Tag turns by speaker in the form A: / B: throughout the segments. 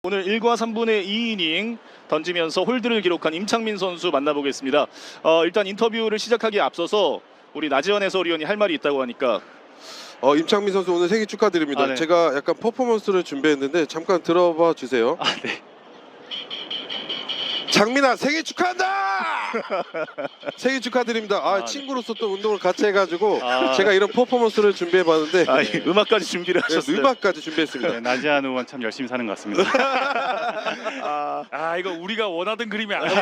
A: 오늘 1과 3분의 2이닝 던지면서 홀드를 기록한 임창민 선수 만나보겠습니다. 일단 인터뷰를 시작하기에 앞서서 우리 나지원 해설위원이 할 말이 있다고 하니까
B: 임창민 선수 오늘 생일 축하드립니다.
A: 네.
B: 제가 약간 퍼포먼스를 준비했는데 잠깐 들어봐 주세요.
A: 네.
B: 장민아 생일 축하한다! 생일 축하드립니다.
A: 네.
B: 친구로서 또 운동을 같이 해가지고 제가 이런 퍼포먼스를 준비해봤는데
A: 이 음악까지 준비를 하셨어요.
B: 음악까지 준비했습니다.
C: 네, 나지한 의원 참 열심히 사는 것 같습니다.
D: 이거 우리가 원하던 그림이 아니에요.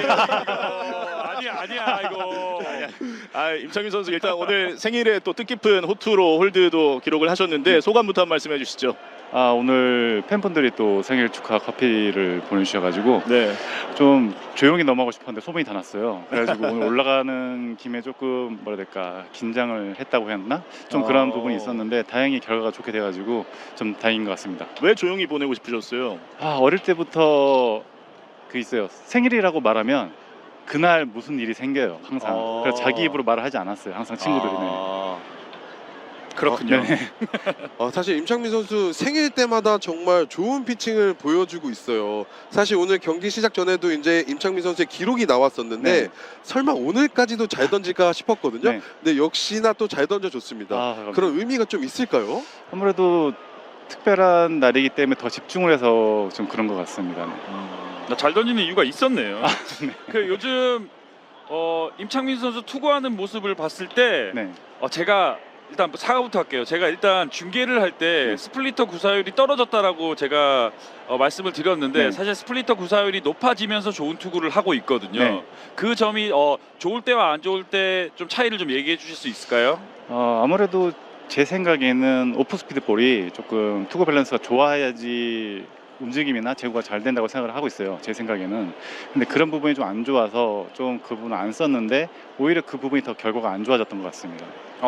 D: 아니야 이거.
A: 임창민 선수 일단 오늘 생일에 또 뜻깊은 호투로 홀드도 기록을 하셨는데 소감부터 한 말씀 해주시죠.
C: 오늘 팬분들이 또 생일 축하 커피를 보내주셔가지고
A: 네.
C: 좀 조용히 넘어가고 싶었는데 소문이 다 났어요. 그래가지고 오늘 올라가는 김에 조금 뭐라 해야 될까 긴장을 했다고 해야 하나? 좀 그런 부분이 있었는데 다행히 결과가 좋게 돼가지고 좀 다행인 것 같습니다.
A: 왜 조용히 보내고 싶으셨어요?
C: 어릴 때부터 그 있어요. 생일이라고 말하면 그날 무슨 일이 생겨요. 항상. 그래서 자기 입으로 말을 하지 않았어요. 항상 친구들이.
D: 그렇군요.
C: 네.
B: 사실 임창민 선수 생일 때마다 정말 좋은 피칭을 보여주고 있어요. 사실 오늘 경기 시작 전에도 이제 임창민 선수의 기록이 나왔었는데
C: 네.
B: 설마 오늘까지도 잘 던질까 싶었거든요.
C: 네.
B: 근데 역시나 또 잘 던져줬습니다.
C: 감사합니다.
B: 그런 의미가 좀 있을까요?
C: 아무래도 특별한 날이기 때문에 더 집중을 해서 좀 그런 것 같습니다. 네.
D: 잘 던지는 이유가 있었네요. 그 요즘 임창민 선수 투구하는 모습을 봤을 때
C: 네.
D: 제가 일단 사과부터 할게요. 제가 일단 중계를 할 때 스플리터 구사율이 떨어졌다라고 제가 말씀을 드렸는데
C: 네.
D: 사실 스플리터 구사율이 높아지면서 좋은 투구를 하고 있거든요.
C: 네.
D: 그 점이 좋을 때와 안 좋을 때 좀 차이를 좀 얘기해 주실 수 있을까요?
C: 아무래도 제 생각에는 오프스피드 볼이 조금 투구 밸런스가 좋아야지 움직임이나 제구가 잘 된다고 생각을 하고 있어요. 제 생각에는. 근데 그런 부분이 좀 안 좋아서 좀 그 부분을 안 썼는데 오히려 그 부분이 더 결과가 안 좋아졌던 것 같습니다.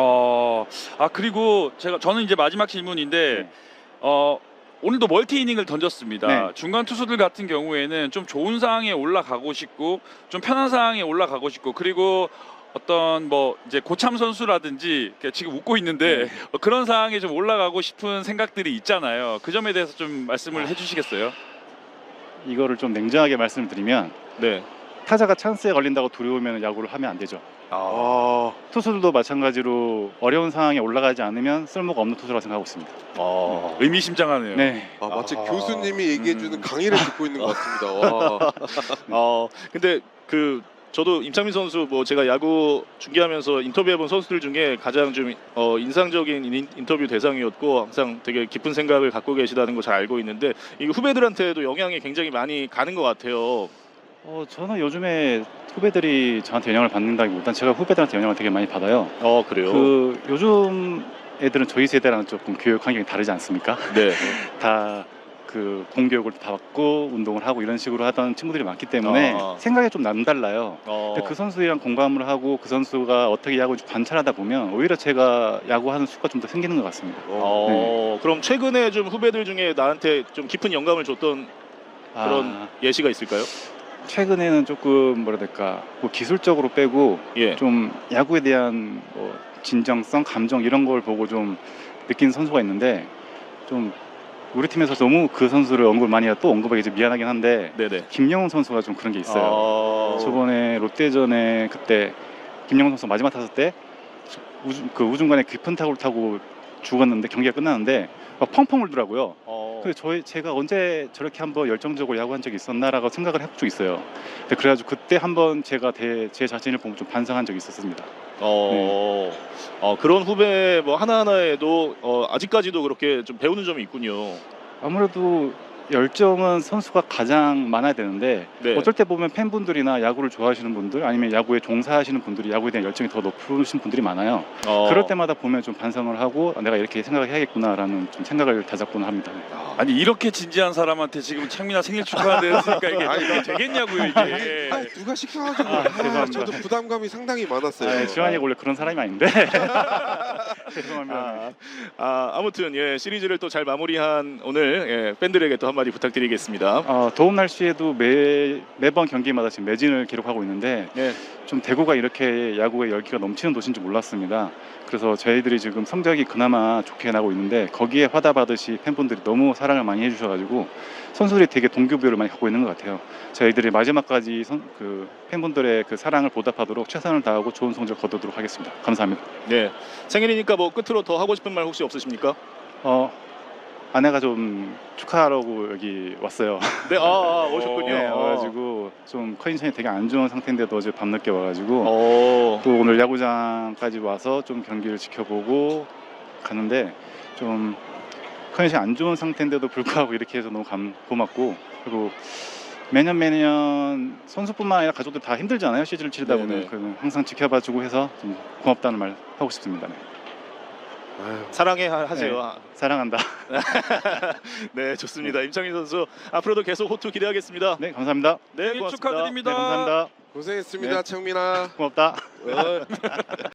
D: 그리고 저는 이제 마지막 질문인데 오늘도 멀티 이닝을 던졌습니다.
C: 네.
D: 중간 투수들 같은 경우에는 좀 좋은 상황에 올라가고 싶고 좀 편한 상황에 올라가고 싶고 그리고 어떤 이제 고참 선수라든지 지금 웃고 있는데 그런 상황에 좀 올라가고 싶은 생각들이 있잖아요. 그 점에 대해서 좀 말씀을 해주시겠어요?
C: 이거를 좀 냉정하게 말씀을 드리면
A: 네.
C: 타자가 찬스에 걸린다고 두려우면 야구를 하면 안 되죠. 투수들도 마찬가지로 어려운 상황에 올라가지 않으면 쓸모가 없는 투수라고 생각하고 있습니다.
D: 의미심장하네요.
C: 네.
B: 마치 교수님이 얘기해주는 강의를 듣고 있는 것 같습니다.
A: 근데 저도 임창민 선수 제가 야구 중계하면서 인터뷰해본 선수들 중에 가장 좀 인상적인 인터뷰 대상이었고 항상 되게 깊은 생각을 갖고 계시다는 거 잘 알고 있는데 이 후배들한테도 영향이 굉장히 많이 가는 것 같아요.
C: 저는 요즘에 후배들이 저한테 영향을 받는다기보단 제가 후배들한테 영향을 되게 많이 받아요.
A: 그래요?
C: 요즘 애들은 저희 세대랑 조금 교육 환경이 다르지 않습니까?
A: 네.
C: 다 그 공교육을 받고 운동을 하고 이런 식으로 하던 친구들이 많기 때문에 생각이 좀 남달라요. 근데 그 선수랑 공감을 하고 그 선수가 어떻게 야구를 관찰하다 보면 오히려 제가 야구하는 수가 좀 더 생기는 것 같습니다.
A: 그럼 최근에 좀 후배들 중에 나한테 좀 깊은 영감을 줬던 그런 예시가 있을까요?
C: 최근에는 조금 뭐라 해야 될까 기술적으로 빼고 좀 야구에 대한 진정성, 감정 이런 걸 보고 좀 느낀 선수가 있는데 좀 우리 팀에서 너무 그 선수를 언급을 많이 해서 또 언급하기 좀 미안하긴 한데
A: 네네.
C: 김영훈 선수가 좀 그런 게 있어요. 저번에 롯데전에 그때 김영훈 선수 마지막 타석 때 우중간에 깊은 타구를 타고 죽었는데 경기가 끝났는데 막 펑펑 울더라고요. 그래서 제가 언제 저렇게 한번 열정적으로 야구한 적이 있었나라고 생각을 해본 적이 있어요. 그래가지고 그때 한번 제가 제 자신을 보고 좀 반성한 적이 있었습니다.
A: 그런 후배 하나하나에도 아직까지도 그렇게 좀 배우는 점이 있군요.
C: 아무래도 열정은 선수가 가장 많아야 되는데 어쩔 때 보면 팬분들이나 야구를 좋아하시는 분들 아니면 야구에 종사하시는 분들이 야구에 대한 열정이 더 높으신 분들이 많아요. 그럴 때마다 보면 좀 반성을 하고 내가 이렇게 생각을 해야겠구나라는 좀 생각을 다잡곤 합니다.
D: 아니 이렇게 진지한 사람한테 지금 창민아 생일 축하한다 했으니까 이게 되겠냐고요 이게.
B: 누가 시켜가지고
C: 죄송합니다.
B: 저도 부담감이 상당히 많았어요.
C: 지환이가 원래 그런 사람이 아닌데 죄송합니다.
A: 아무튼 시리즈를 또 잘 마무리한 오늘 팬들에게 또 한마디 한마디 부탁드리겠습니다.
C: 더운 날씨에도 매번 경기마다 지금 매진을 기록하고 있는데
A: 네.
C: 좀 대구가 이렇게 야구에 열기가 넘치는 도시인 줄 몰랐습니다. 그래서 저희들이 지금 성적이 그나마 좋게 나고 있는데 거기에 화답하듯이 팬분들이 너무 사랑을 많이 해주셔가지고 선수들이 되게 동기부여를 많이 갖고 있는 것 같아요. 저희들이 마지막까지 팬분들의 그 사랑을 보답하도록 최선을 다하고 좋은 성적 거두도록 하겠습니다. 감사합니다.
A: 네. 생일이니까 뭐 끝으로 더 하고 싶은 말 혹시 없으십니까?
C: 아내가 좀 축하하라고 여기 왔어요.
A: 네. 오셨군요.
C: 네, 와가지고 좀 컨디션이 되게 안 좋은 상태인데도 어제 밤늦게 와가지고 또 오늘 야구장까지 와서 좀 경기를 지켜보고 가는데 좀 컨디션이 안 좋은 상태인데도 불구하고 이렇게 해서 너무 고맙고, 그리고 매년 선수뿐만 아니라 가족들 다 힘들잖아요. 시즌을 치르다
A: 네네.
C: 보면 항상 지켜봐주고 해서 좀 고맙다는 말 하고 싶습니다. 네.
B: 아유,
A: 사랑해 하세요.
C: 사랑한다.
A: 네, 좋습니다. 임창민 선수 앞으로도 계속 호투 기대하겠습니다.
C: 네, 감사합니다.
A: 네,
D: 생일
A: 고맙습니다.
D: 축하드립니다.
C: 네, 감사합니다.
B: 고생했습니다, 창민아.
C: 고맙다.
B: 어.